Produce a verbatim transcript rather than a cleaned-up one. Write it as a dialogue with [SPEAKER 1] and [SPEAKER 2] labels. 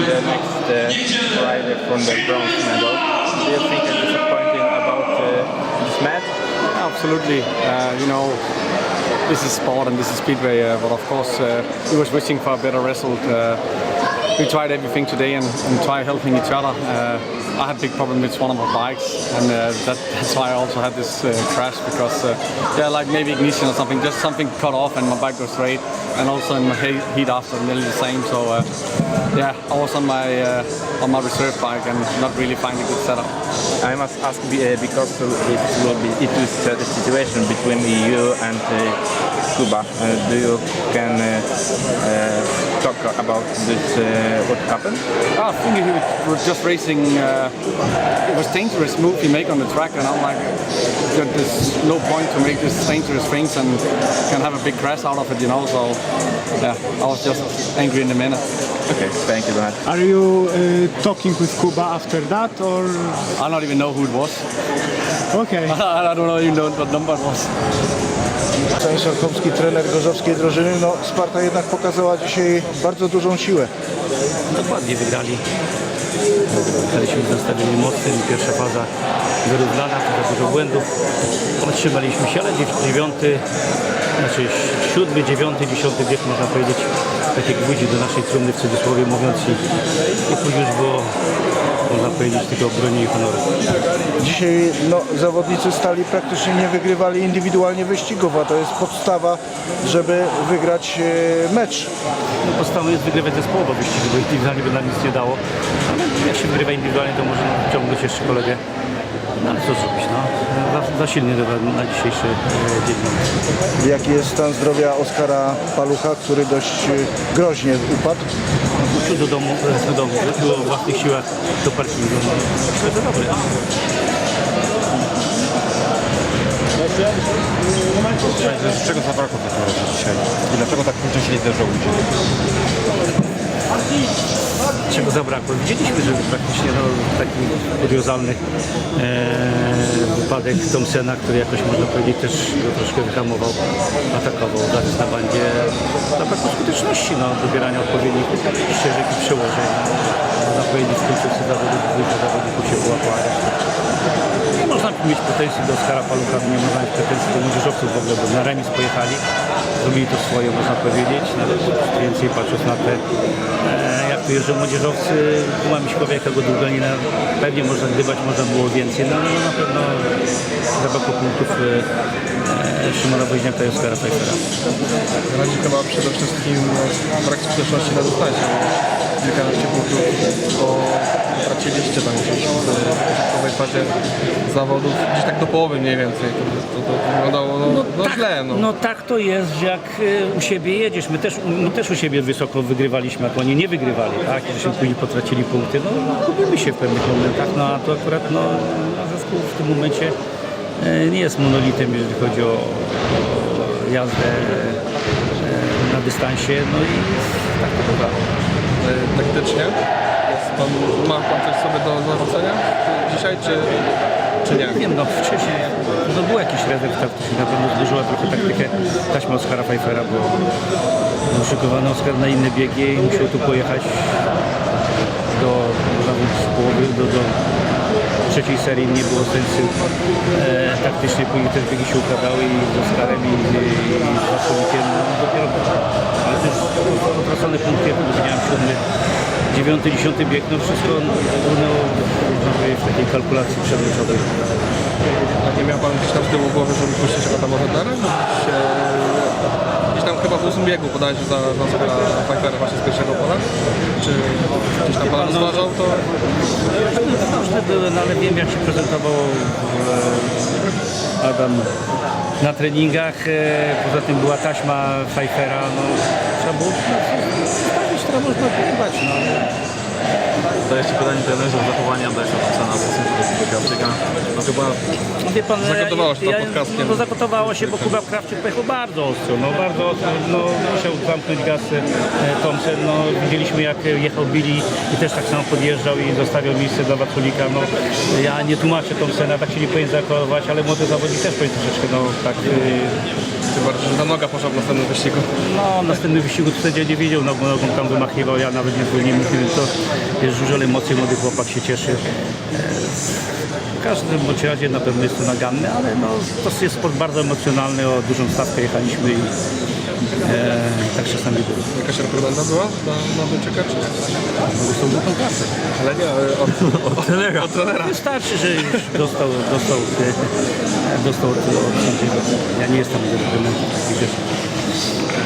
[SPEAKER 1] the next uh, rider from the bronze medal. Do you think it's disappointing about uh, this match?
[SPEAKER 2] Absolutely. Uh, you know, this is sport and this is speedway, uh, but of course uh, we was wishing for a better result. Uh, we tried everything today and, and tried helping each other. Uh, I had a big problem with one of my bikes, and uh, that, that's why I also had this uh, crash, because uh, yeah, like maybe ignition or something, just something cut off and my bike goes straight, and also in my he- heat after nearly the same. So uh, yeah, I was on my uh, on my reserve bike and not really finding a good setup.
[SPEAKER 1] I must ask uh, because it will be it is uh, the situation between you and uh, Kuba. Uh, do you can uh, uh, talk about this? Uh, what happened?
[SPEAKER 2] I think he was just racing. Uh, it was dangerous move he make on the track, and I'm like, there's no point to make this dangerous things and can have a big crash out of it, you know. So yeah, I was just angry in the minute.
[SPEAKER 1] Okay, thank you very much.
[SPEAKER 3] Are you uh, talking with Kuba after that, or?
[SPEAKER 2] I don't even know who it was.
[SPEAKER 3] Okay.
[SPEAKER 2] I don't know even know what number it was.
[SPEAKER 4] Stanisław Chomski, trener gorzowskiej drużyny. No, Sparta jednak pokazała dzisiaj bardzo dużą siłę.
[SPEAKER 5] Dokładnie wygrali. Graliśmy w nastawieniu mocnym. Pierwsza faza wyrównana, trochę dużo błędów. Otrzymaliśmy się, ale dziewiąty, znaczy siódmy, dziewiąty, dziesiąty bieg, można powiedzieć, takie gwóździ do naszej trumny, w cudzysłowie mówiąc, i, i tu już było, można powiedzieć, tylko broni i honoru.
[SPEAKER 4] Dzisiaj no, zawodnicy Stali praktycznie nie wygrywali indywidualnie wyścigów, a to jest podstawa, żeby wygrać e, mecz.
[SPEAKER 5] No, podstawą jest wygrywać zespołowo wyścigi, bo indywidualnie by nam nic nie dało. Ale jak się wygrywa indywidualnie, to można ciągnąć jeszcze kolegę. No ale co zrobić, no? Za, za silnie na dzisiejszy e, dzień.
[SPEAKER 4] Jaki jest stan zdrowia Oskara Palucha, który dość e, groźnie upadł?
[SPEAKER 5] Wrócił do domu, do domu, wrócił o własnych siłach do parkingu. No, myślę, że dobry.
[SPEAKER 6] Z czego zabrakło w takim razie dzisiaj? I dlaczego tak późno się nie zdarzyło ludzie?
[SPEAKER 5] Czego zabrakło? Widzieliśmy, że praktycznie no, taki kuriozalny e, wypadek Thompsona, który jakoś można powiedzieć też go troszkę wyhamował, atakował, zaraz na bandzie. Zabrakło skuteczności, no, dobierania odpowiednich ścieżek i przełożeń. Można powiedzieć, w końcówce zawodów dwójka zawodników się połapała. Nie można mieć pretensji do Oskara Palucha, nie można mieć pretensji do młodzieżowców w ogóle, bo na remis pojechali, zrobili to swoje, można powiedzieć, nawet więcej patrząc na te, e, jak tu jeżdżą młodzieżowcy, Kuma Miśkowiaka, go Długanina, pewnie można gdybać, można było więcej, no, no na pewno zabrakło punktów e, e, Szymona Woźniaka i Oskara Pfeiffera.
[SPEAKER 6] Radzi chyba przede wszystkim brak skuteczności na dystansie. Kilkanaście punktów, bo traciliście tam gdzieś w początkowej fazie zawodów, gdzieś tak do połowy mniej więcej. To, to, to wyglądało no, no, no
[SPEAKER 5] tak,
[SPEAKER 6] źle. No.
[SPEAKER 5] no tak to jest, że jak y, u siebie jedziesz, my też, my też u siebie wysoko wygrywaliśmy, a oni nie wygrywali, tak? Żeśmy później potracili punkty, no gubimy się w pewnych momentach, no a to akurat no, na zespół w tym momencie y, nie jest monolitem, jeżeli chodzi o, o jazdę y, na dystansie, no i tak to bywa.
[SPEAKER 6] Taktycznie jest pan, ma pan coś sobie do zarzucenia dzisiaj, czy, czy nie?
[SPEAKER 5] Nie wiem, no wcześniej no, był jakiś rezerw taktyczny, na pewno zburzyła trochę taktykę taśma Oskara Pfeiffera, bo był szykowany Oskar na inne biegi i musiał tu pojechać do, do połowy, do, do trzeciej serii nie było sensu e, taktycznie, później też biegi się układały i z Oskarem i, i, i z Wasolikiem, no dopiero, ale też potracone punkty, jak powiedziałem, siódmy, dziewiąty, dziesiąty bieg, no wszystko runęło w takiej kalkulacji przedmeczowej.
[SPEAKER 6] A nie miał pan gdzieś tam z tyłu głowy, żeby puścić Adama Wendera? Gdzieś tam chyba w ósmym biegu podajże za, za Oskara Pfeiffera właśnie z pierwszego pola? Czy gdzieś tam pan rozważał to?
[SPEAKER 5] Różne były, no ale wiem jak się prezentował e, Adam na treningach, e, poza tym była taśma Pfeiffera, no trzeba było sprawić, która można pojechać, no.
[SPEAKER 7] To jeszcze pytanie trenerów zachowania Andrzeja Thompsona w stosunku do Krawczyka. No chyba
[SPEAKER 5] No wie pan,
[SPEAKER 6] Zagotowało się to
[SPEAKER 5] ja,
[SPEAKER 6] pod kaskiem.
[SPEAKER 5] No zagotowało się, bo Kuba Krawczyk pojechał bardzo ostro, no bardzo ostro, no musiał zamknąć gaz e, Thompson, no widzieliśmy jak jechał Billy i też tak samo podjeżdżał i zostawiał miejsce dla Waculika, no ja nie tłumaczę Thompsona, tak się nie powinien zachowywać, ale młody zawodnik też powinien troszeczkę, no tak e,
[SPEAKER 6] tym bardziej, że ta noga poszła w następnym wyścigu.
[SPEAKER 5] No, następny wyścigu to sędzia nie wiedział, no bo nogą tam wymachiwał, ja nawet nie zwolniłem, to jest dużo emocji, młody chłopak się cieszy. W każdym bądź razie na pewno jest to naganne, ale no, to jest sport bardzo emocjonalny, o dużą stawkę jechaliśmy i e, tak czasami było.
[SPEAKER 6] Jakaś reprymenda była na, na Duńczyka, czy nie?
[SPEAKER 5] No, są dużą kasę.
[SPEAKER 6] Ale nie, ale od, od, trenera. Od trenera.
[SPEAKER 5] Wystarczy, że już dostał, dostał, e, dostał od, od sędziego. Ja nie jestem do takich rzeczy.